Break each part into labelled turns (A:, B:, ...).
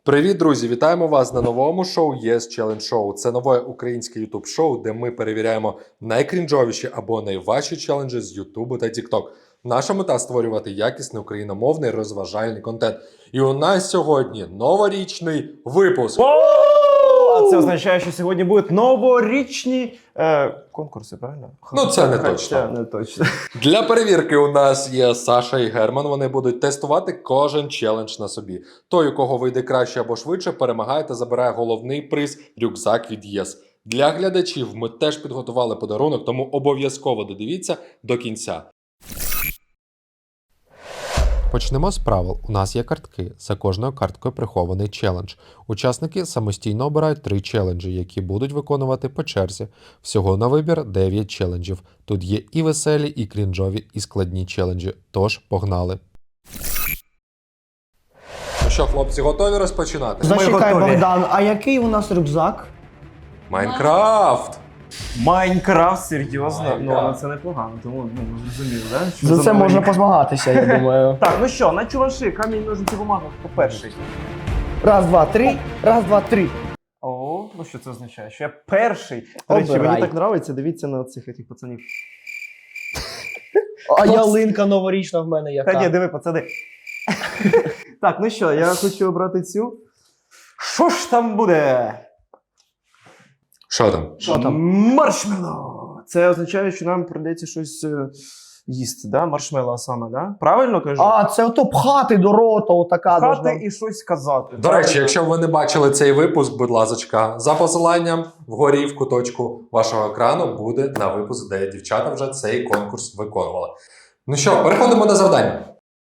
A: Привіт, друзі! Вітаємо вас на новому шоу Yes Challenge Show. Це нове українське YouTube шоу, де ми перевіряємо найкрінжовіші або найважчі челенджі з YouTube та TikTok. Наша мета – створювати якісний україномовний розважальний контент. І у нас сьогодні новорічний випуск.
B: А це означає, що сьогодні будуть новорічні конкурси, правильно?
A: Ну, це не точно.
B: Не точно.
A: Для перевірки у нас є Саша і Герман. Вони будуть тестувати кожен челендж на собі. Той, у кого вийде краще або швидше, перемагає та забирає головний приз – рюкзак від ЄС. Для глядачів ми теж підготували подарунок, тому обов'язково додивіться до кінця. Почнемо з правил. У нас є картки. За кожною карткою прихований челендж. Учасники самостійно обирають 3 челенджі, які будуть виконувати по черзі. Всього на вибір 9 челенджів. Тут є і веселі, і крінжові, і складні челенджі. Тож, погнали! Ну що, хлопці, готові розпочинати?
C: Зачекай, Богдан, а який у нас рюкзак?
A: Майнкрафт!
B: Майнкрафт, серйозно?
A: Майнкрафт.
B: Ну, але це непогано, тому зрозуміло, да? Що
C: За це
B: новий
C: можна
B: рік.
C: позмагатися, я думаю.
B: Так, ну що, на чуваші, камінь, ножниці, бумага, хто перший?
C: Раз, два, три. Раз, два, три.
B: О, ну що це означає? Що я перший? До речі,
C: Обирай.
B: мені так подобається, дивіться на цих пацанів.
C: А ялинка новорічна в мене яка.
B: Та ні, диви, пацани. Так, ну що, я хочу обрати цю. Що ж там буде?
A: Що там?
C: Що там?
B: Маршмеллоу! Це означає, що нам прийдеться щось їсти, да? Маршмеллоу саме, да? Правильно кажу?
C: А, це ото пхати до рота, отака.
B: Хати
C: должна.
B: і щось казати.
A: До речі, якщо ви не бачили цей випуск, будь ласка, за посиланням вгорі в куточку вашого екрану буде на випуск, де дівчата вже цей конкурс виконували. Ну що, переходимо до завдання.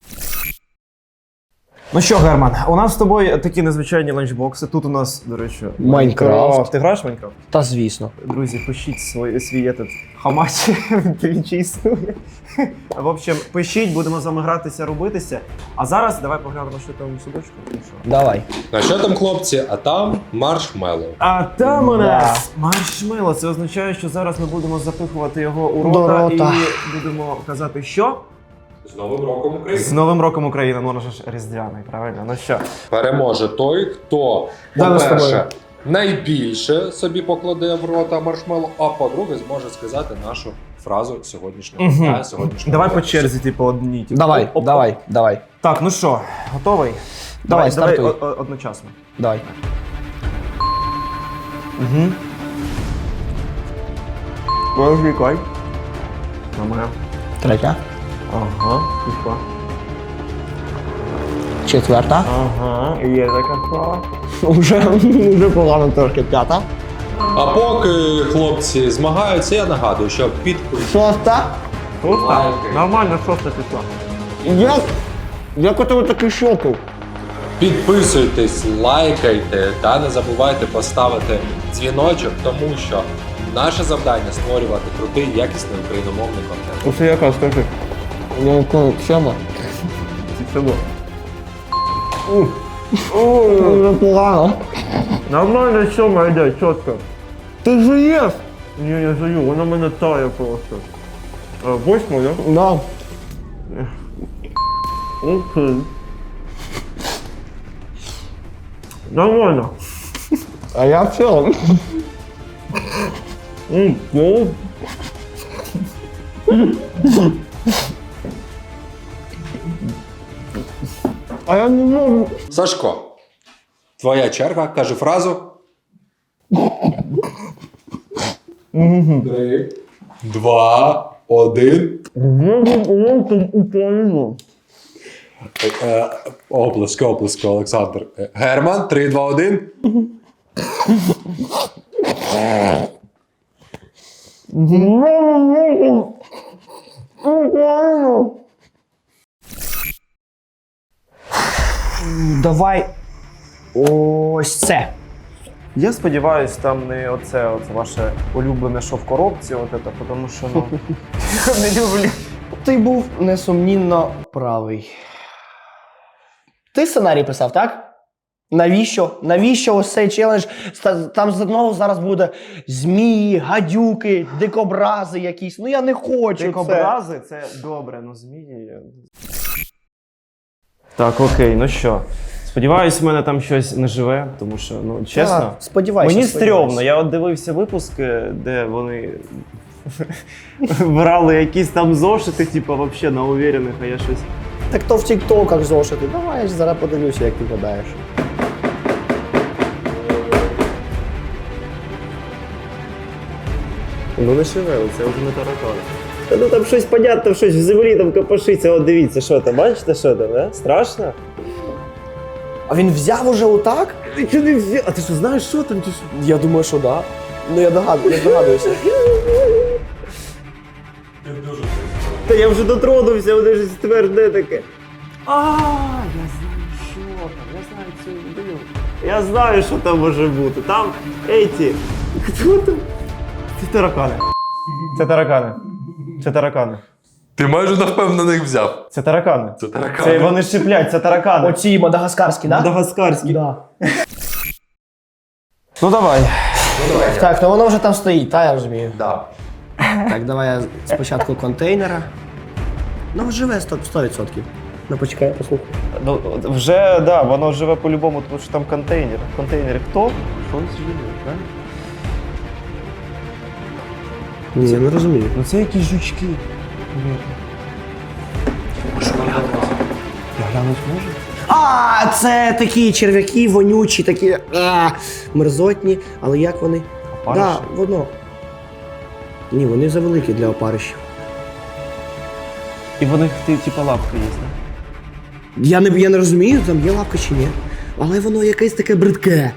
B: Ну що, Герман, у нас з тобою такі незвичайні ланчбокси. Тут у нас, до речі,
C: Майнкрафт.
B: Ти граєш в Майнкрафт?
C: Та звісно.
B: Друзі, пишіть свій этот хамач, він чи існує. В общем, пишіть, будемо з вами гратися, робитися. А зараз давай поглянемо, що там у судочку.
C: Давай.
A: А що там, хлопці? А там маршмеллоу.
B: А там у нас маршмеллоу. Це означає, що зараз ми будемо запихувати його у
C: До
B: рота
C: рота.
B: і будемо казати, що?
A: З Новим роком України!
B: З Новим роком України, ну воно ж різдвяний, правильно? Ну що?
A: Переможе той, хто,
C: Да, ми з
A: по-перше,
C: тобою.
A: найбільше собі покладе в рота маршмеллоу, а по-друге, зможе сказати нашу фразу сьогоднішнього
B: Мгм.
A: дня, сьогоднішнього
B: Давай по
A: випуску.
B: черзі, типу, одні. Типу.
C: Давай,
B: Оп-оп.
C: давай, давай.
B: Так, ну що, готовий?
C: Давай, стартуй.
B: Одночасно.
C: Давай.
B: Угу. Розлікай. Нормально.
C: Третя.
B: Ага, пішла.
C: Четверта.
B: Ага, є така справа.
C: Уже погано трошки. П'ята.
A: А поки хлопці змагаються, я нагадую, що
C: Шоста.
B: Шоста?
A: Лайки.
B: Нормально, шоста пішла.
C: Як у тебе такий шокол?
A: підписуйтесь, лайкайте та не забувайте поставити дзвіночок, тому що наше завдання створювати крутий, якісний україномовний контент.
B: Оце яка, скажи.
C: Ну, сьома.
B: Це було.
C: Уже погано.
B: Нормально, сьома йде, чітко.
C: Ти жуєш?
B: Ні, я жую, вона мене тає просто. Восьма, да?
C: Да.
B: Окей. Нормально.
C: А я в цілому.
B: Ну.
C: А я не можу.
A: Сашко, твоя черга, кажи фразу. 3, 2, 1.
C: Україну.
A: Оплески, Олександр. Герман, 3, 2, 1.
C: Давай ось це.
B: Я сподіваюсь, там не оце ваше улюблене, що в коробці, тому що, ну, я не люблю.
C: Ти був несумнінно правий. Ти сценарій писав, так? Навіщо? Навіщо ось цей челендж? Там знову зараз буде змії, гадюки, дикобрази якісь. Ну я не хочу це.
B: Дикобрази це добре, ну змії. Так, окей, ну що, Сподіваюсь, в мене там щось не живе, тому що, ну, чесно.
C: Так, сподівайся.
B: Мені
C: сподівайся.
B: стрьомно. Я от дивився випуски, де вони брали якісь там зошити, типу, взагалі на уверених, а я щось.
C: Так то в тіктоках зошити. Давай я ж зараз подивлюся, як ти гадаєш.
B: Ну не шевели, це вже не таракани. Та ну там щось понятно, щось в землі там копошиться. От дивіться, що там, бачите, що там, да? Страшно?
C: А він взяв уже отак?
B: Ти не взяв. А ти що знаєш, що там чи що?
C: Я думаю, що да. Ну я догадуюся.
B: Та я вже дотронувся, вони ж тверде таке. А, я знаю, що там, я знаю цю людину. Я знаю, що там може бути. Там еті. Хто там? Це таракани. Це таракани. Це таракани.
A: Ти майже навпевнених взяв.
B: Це таракани.
A: Це таракани.
B: Це вони шиплять, це таракани.
C: Оці мадагаскарські, да?
B: Мадагаскарські.
C: Да.
B: Ну давай.
C: Так, ну воно вже там стоїть, та я розумію.
A: Да.
C: Так, давай я спочатку контейнера. Ну, живе 100%. Ну, почекай, послухай.
B: Ну, вже, да, воно живе по-любому, тому що там контейнер. Контейнери хто? Щось живе, так?
C: Ні, я не розумію.
B: Ну це якісь жучки. Я глянуть можу?
C: А, це такі черв'яки, вонючі, такі мерзотні. Але як вони?
B: Опариші?
C: Да, воно. Ні, вони завеликі для опарищів.
B: І в них типу лапки є, так?
C: Я не розумію, там є лапка чи ні. Але воно якесь таке бридке.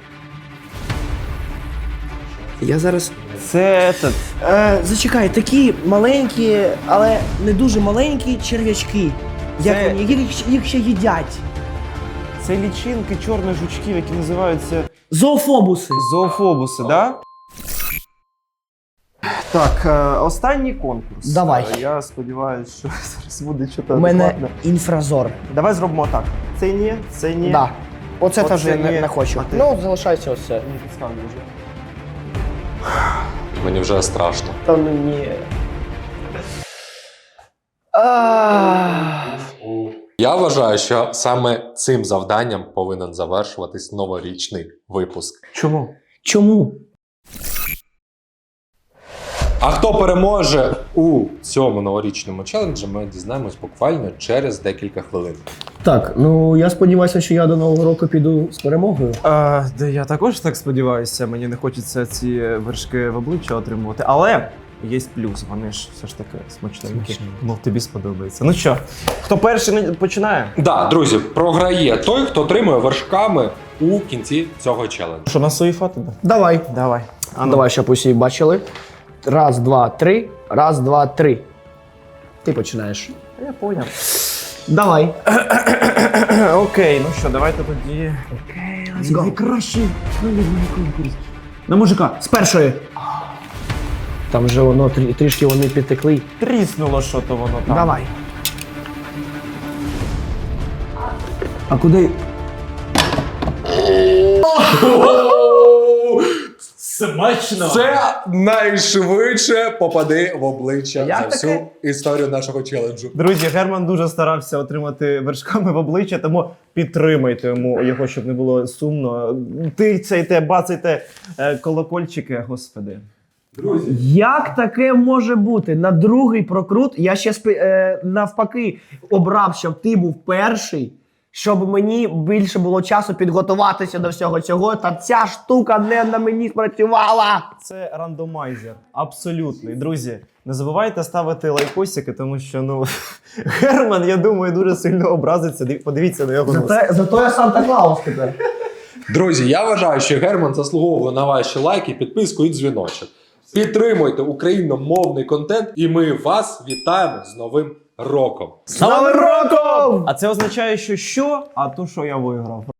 C: Я зараз.
B: Це этот.
C: Зачекай, такі маленькі, але не дуже маленькі черв'ячки. Як
B: Це-
C: вони? Їх ще їдять.
B: Це лічинки чорних жучків, які називаються
C: Зоофобуси.
B: зоофобуси, так? Да? Так, останній конкурс.
C: Давай.
B: Я сподіваюся, що зараз буде щось
C: У мене
B: адекватне.
C: інфразор.
B: Давай зробимо так. Це ні, це ні.
C: Да. Оце
B: Оце
C: теж я
B: ні.
C: не хочу.
B: А ти?
C: Ну, залишайся ось це.
B: Ні, підставлю вже.
A: Мені вже страшно.
C: Та ну ні.
A: Я вважаю, що саме цим завданням повинен завершуватись новорічний випуск.
B: Чому?
C: Чому?
A: А хто переможе у цьому новорічному челенджі, ми дізнаємось буквально через декілька хвилин.
C: Так, ну я сподіваюся, що я до Нового року піду з перемогою.
B: Да я також так сподіваюся, мені не хочеться ці вершки в обличчя отримувати. Але є плюс, вони ж все ж таки смачненькі. Мов тобі сподобається. Ну що, хто перший починає?
A: Да, друзі, програє той, хто отримує вершками у кінці цього челенджу.
B: Що на свої фото?
C: Давай.
B: Давай. А ну.
C: Давай, щоб усі бачили. Раз, два, три. Раз, два, три. Ти починаєш.
B: Я поняв.
C: Давай.
B: Окей, ну що, давайте тоді. Окей, let's go. Найкращий конкурс. На мужика.
C: З першої. Там вже воно трішки вони підтекли.
B: Тріснуло що то воно там.
C: Давай. А куди?
B: Смачно!
A: Це найшвидше попади в обличчя
C: Як
A: за всю
C: таке?
A: історію нашого челенджу.
B: Друзі, Герман дуже старався отримати вершками в обличчя, тому підтримайте його, щоб не було сумно. Тицяйте, бацайте колокольчики, господи.
C: Як таке може бути? На другий прокрут я ще навпаки обрав, щоб ти був перший, щоб мені більше було часу підготуватися до всього цього, та ця штука не на мені спрацювала.
B: Це рандомайзер. Абсолютний. Друзі, не забувайте ставити лайкосики, тому що, ну, Герман, я думаю, дуже сильно образиться. Подивіться на його нос.
C: Зато я Санта-Клаус тепер.
A: Друзі, я вважаю, що Герман заслуговує на ваші лайки, підписку і дзвіночок. Підтримуйте україномовний контент, і ми вас вітаємо з Новим роком!
C: З Новим роком!
B: А це означає, що? А то, що я виграв.